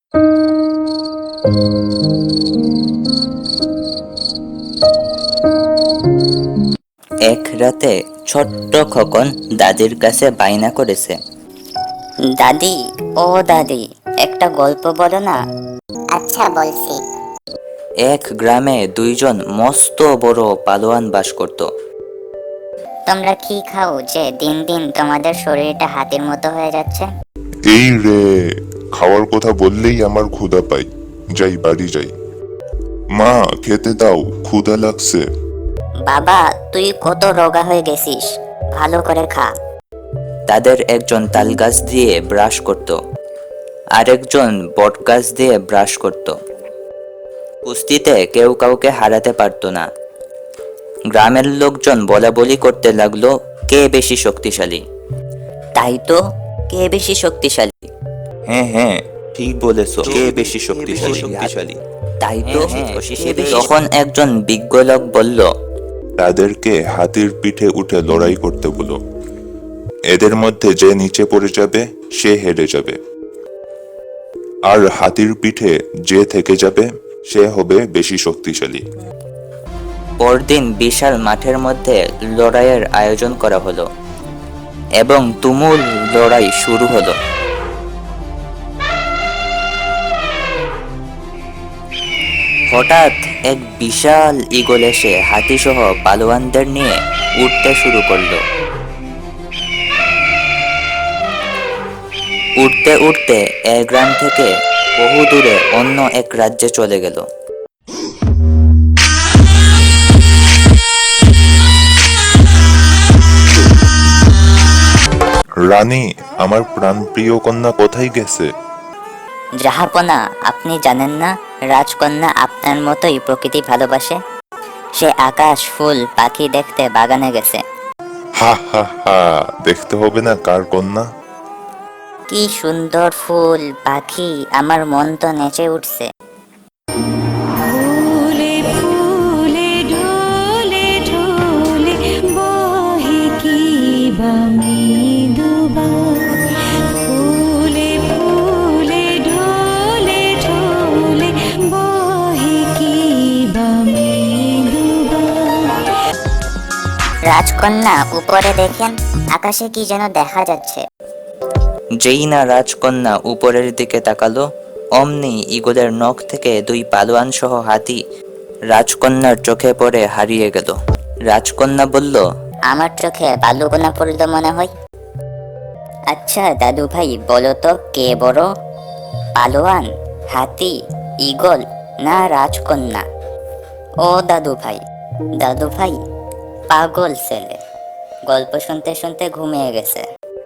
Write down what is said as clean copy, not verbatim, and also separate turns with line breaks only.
এক রাতে ছোট্ট খোকন দাদির কাছে বায়না করেছে,
দাদি, ও দাদি, একটা গল্প বলো না।
আচ্ছা, বলছি।
এক গ্রামে দুইজন মস্ত বড় পালোয়ান বাস করত।
তোমরা কি খাও যে দিন দিন তোমাদের শরীরটা হাতির মতো হয়ে যাচ্ছে?
এই রে, খাওয়ার কথা বললেই আমার ক্ষুধা পাই। যাই বাড়ি যাই। মা, খেতে দাও, ক্ষুধা লাগছে।
বাবা, তুই কত রোগা হয়ে গেছিস, ভালো করে খা।
তাদের একজন তাল গাছ দিয়ে ব্রাশ করত, আরেকজন বট গাছ দিয়ে ব্রাশ করত। কুস্তিতে কেউ কাউকে হারাতে পারত না। গ্রামের লোকজন বলা বলি করতে লাগলো, কে বেশি শক্তিশালী। তাই তো, কে বেশি শক্তিশালী? হ্যাঁ হ্যাঁ, ঠিক বলেছো, কে বেশি শক্তিশালী। তাই তো, তখন একজন বিজ্ঞ লোক বলল,
তাদেরকে হাতির পিঠে উঠে লড়াই করতে বলো। এদের মধ্যে যে নিচে পড়ে যাবে সে হেরে যাবে, আর হাতির পিঠে যে থেকে যাবে সে হবে বেশি শক্তিশালী।
পরদিন বিশাল মাঠের মধ্যে লড়াইয়ের আয়োজন করা হলো এবং তুমুল লড়াই শুরু হলো। হঠাৎ এক বিশাল ঈগল এসে হাতিসহ পালোয়ানদের নিয়ে উঠতে শুরু করলো। উঠতে উঠতে এক গ্রাম থেকে বহু দূরে অন্য এক রাজ্যে চলে গেল।
রানী, আমার প্রাণপ্রিয় কন্যা কোথায় গেছে?
জাহাপনা, আপনি জানেন না রাজকন্যা আপনার মতোই প্রকৃতি ভালোবাসে। সে আকাশ, ফুল, পাখি দেখতে বাগানে গেছে।
হা হা হা, দেখতে হবে না কার কন্যা?
কি সুন্দর ফুল, পাখি, আমার মন তো নেচে উঠছে।
ফুলে ফুলে ঢলে ঢলে বহে কি বা মৃদুবা। ফুলে ফুলে ঢলে ঢলে বহে কি বা মৃদুবা।
রাজকন্যা, উপরে দেখেন, আকাশে কি যেন দেখা যাচ্ছে।
যেই না রাজকন্যা উপরের দিকে তাকালো, অমনি ঈগলের নখ থেকে দুই পালোয়ান সহ হাতি রাজকন্যার চোখে পড়ে হারিয়ে গেল। রাজকন্যা বলল,
আমার চোখে বালুকণা পড়ল মনে হয়। আচ্ছা দাদু ভাই, বলো তো কে বড়, পালোয়ান, হাতি, ঈগল না রাজকন্যা? ও দাদু ভাই, পাগল ছেলে গল্প শুনতে শুনতে ঘুমিয়ে গেছে।